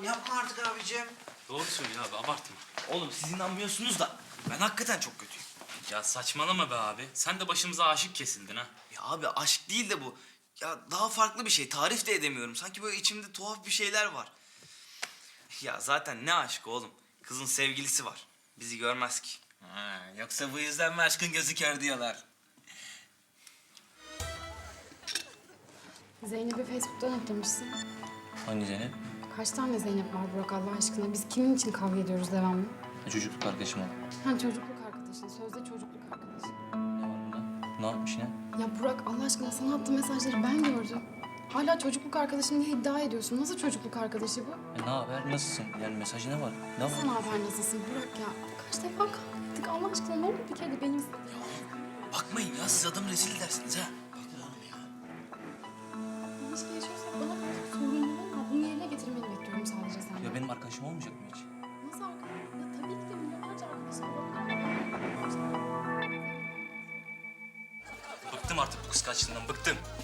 yapma artık abicim. Doğru söylüyor abi, abartma. Oğlum siz inanmıyorsunuz da ben hakikaten çok kötüyüm. Ya saçmalama be abi. Sen de başımıza aşık kesildin ha. Ya abi aşk değil de bu. Ya daha farklı bir şey. Tarif de edemiyorum. Sanki böyle içimde tuhaf bir şeyler var. Ya zaten ne aşk oğlum. Kızın sevgilisi var. Bizi görmez ki. Ha, yoksa bu yüzden mi aşkın gözü kör diyorlar? Zeynep'i Facebook'tan eklemişsin. Hangi Zeynep? Kaç tane Zeynep var Burak Allah aşkına? Biz kimin için kavga ediyoruz devamlı? Çocukluk arkadaşım o. Ha çocukluk arkadaşın, sözde çocukluk arkadaşın. Ne var bunda? Ne yapmış ne? Ya Burak Allah aşkına sana attığım mesajları ben gördüm. Hala çocukluk arkadaşım diye iddia ediyorsun. Nasıl çocukluk arkadaşı bu? Ne haber? Nasılsın? Yani mesajı ne var? Ne var? Nasıl ne haber nasılsın Burak ya? Kaç defa kavga ettik Allah aşkına ne olur bir kere de benim... Bakmayın ya, siz adamı rezil edersiniz ha. İlişki yaşıyorsak bana karşı sorumluluğun var. Bunu yerine getirmeni bekliyorum sadece senden. Ya benim arkadaşım olmayacak mı hiç? Nasıl arkadaşım? Ya tabii ki de milyonlarca arkadaşım var. Bıktım artık bu kıskançlığından, bıktım.